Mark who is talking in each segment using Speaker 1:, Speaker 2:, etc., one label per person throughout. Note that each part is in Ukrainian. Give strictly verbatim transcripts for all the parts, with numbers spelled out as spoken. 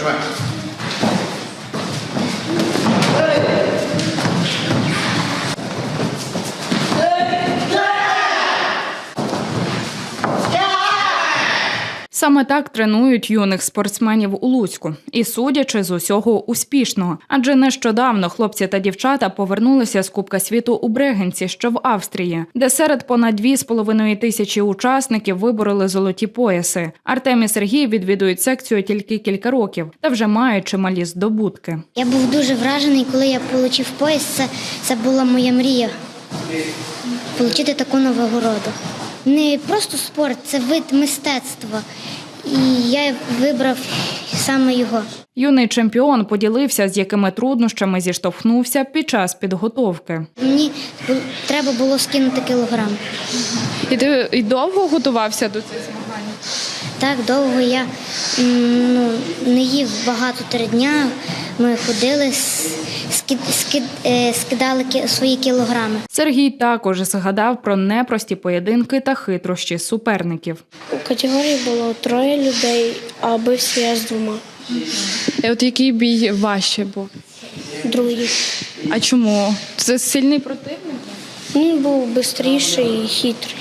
Speaker 1: Давай.
Speaker 2: Саме так тренують юних спортсменів у Луцьку. І судячи з усього успішного. Адже нещодавно хлопці та дівчата повернулися з Кубка світу у Брегенці, що в Австрії, де серед понад дві з половиною тисячі учасників вибороли золоті пояси. Артем і Сергій відвідують секцію тільки кілька років та вже мають чималі здобутки.
Speaker 3: Я був дуже вражений, коли я отримав пояс. Це, це була моя мрія – отримати таку нагороду. Не просто спорт, це вид мистецтва. І я вибрав саме його.
Speaker 2: Юний чемпіон поділився, з якими труднощами зіштовхнувся під час підготовки.
Speaker 3: Мені треба було скинути кілограм.
Speaker 2: І ти і довго готувався до цих змагань?
Speaker 3: Так, довго я ну, не їв багато три дня. Ми ходили, скид, скид, скидали свої кілограми.
Speaker 2: Сергій також згадав про непрості поєдинки та хитрощі суперників.
Speaker 4: У категорії було троє людей, а бився я з двома.
Speaker 2: І от який бій важче був?
Speaker 4: Другий.
Speaker 2: А чому? Це сильний противник?
Speaker 4: Він був швидший і хитрий.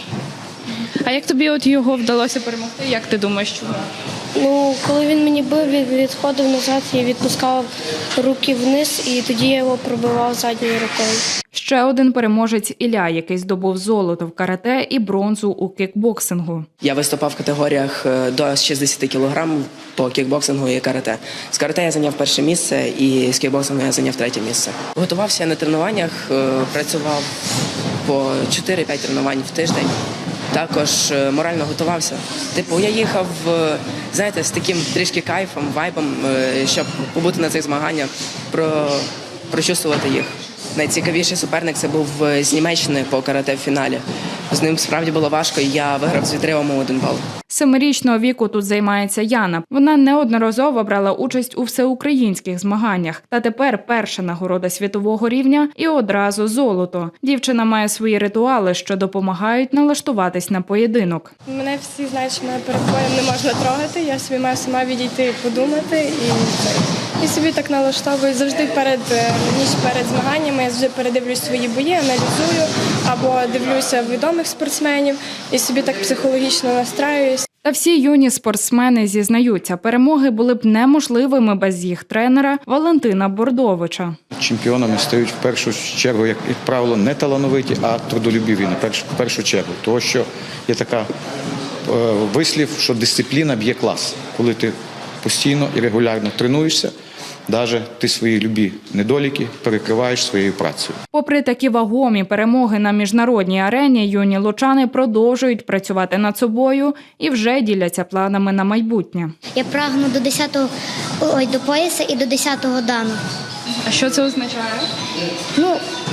Speaker 2: А як тобі от його вдалося перемогти? Як ти думаєш, чому?
Speaker 4: Ну, коли він мені бив, він відходив назад і відпускав руки вниз, і тоді я його пробивав задньою рукою.
Speaker 2: Ще один переможець Ілля, який здобув золото в карате і бронзу у кікбоксингу.
Speaker 5: Я виступав в категоріях до шістдесят кілограмів по кікбоксингу і карате. З карате я зайняв перше місце і з кікбоксингу я зайняв третє місце. Готувався на тренуваннях, працював по чотири-п'ять тренувань в тиждень. Також морально готувався. Типу, я їхав, знаєте, з таким трішки кайфом, вайбом, щоб побути на цих змаганнях, про, прочувствувати їх. Найцікавіший суперник – це був з Німеччини по карате в фіналі. З ним справді було важко, і я виграв з відривом у один бал.
Speaker 2: Семирічного віку тут займається Яна. Вона неодноразово брала участь у всеукраїнських змаганнях. Та тепер перша нагорода світового рівня і одразу золото. Дівчина має свої ритуали, що допомагають налаштуватись на поєдинок.
Speaker 4: Мене всі знають, що мене перед боєм не можна трогати. Я собі маю сама відійти, подумати і І собі так налаштовую завжди перед ніч перед змаганнями. Я завжди передивлюсь свої бої, аналізую або дивлюся відомих спортсменів і собі так психологічно настраююсь.
Speaker 2: Та всі юні спортсмени зізнаються, перемоги були б неможливими без їх тренера Валентина Бордовича.
Speaker 1: Чемпіонами стають в першу чергу, як правило, не талановиті, а трудолюбиві на першу, в першу чергу. Тому що є така е, вислів, що дисципліна б'є клас. Коли ти постійно і регулярно тренуєшся, навіть ти свої любі недоліки перекриваєш своєю працею. Попри такі вагомі перемоги на міжнародній арені, юні лучани продовжують працювати над собою і вже діляться планами на майбутнє.
Speaker 3: Я прагну до десятого, ой, до пояса і до десятого дану.
Speaker 2: А що це означає?
Speaker 3: Ну,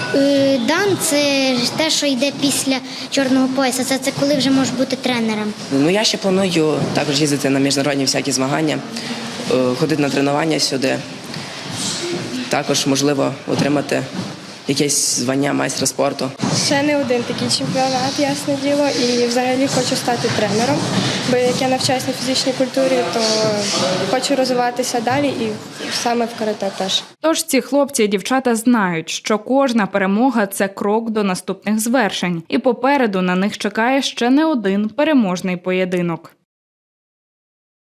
Speaker 3: дан – це те, що йде після чорного пояса. Це, це коли вже можеш бути тренером.
Speaker 5: Ну, я ще планую також їздити на міжнародні всякі змагання, ходити на тренування сюди. Також, можливо, отримати якесь звання майстра спорту.
Speaker 4: Ще не один такий чемпіонат, ясне діло, і взагалі хочу стати тренером, бо як я навчаюся на фізичній культурі, то хочу розвиватися далі і саме в карате теж.
Speaker 2: Тож ці хлопці і дівчата знають, що кожна перемога – це крок до наступних звершень. І попереду на них чекає ще не один переможний поєдинок.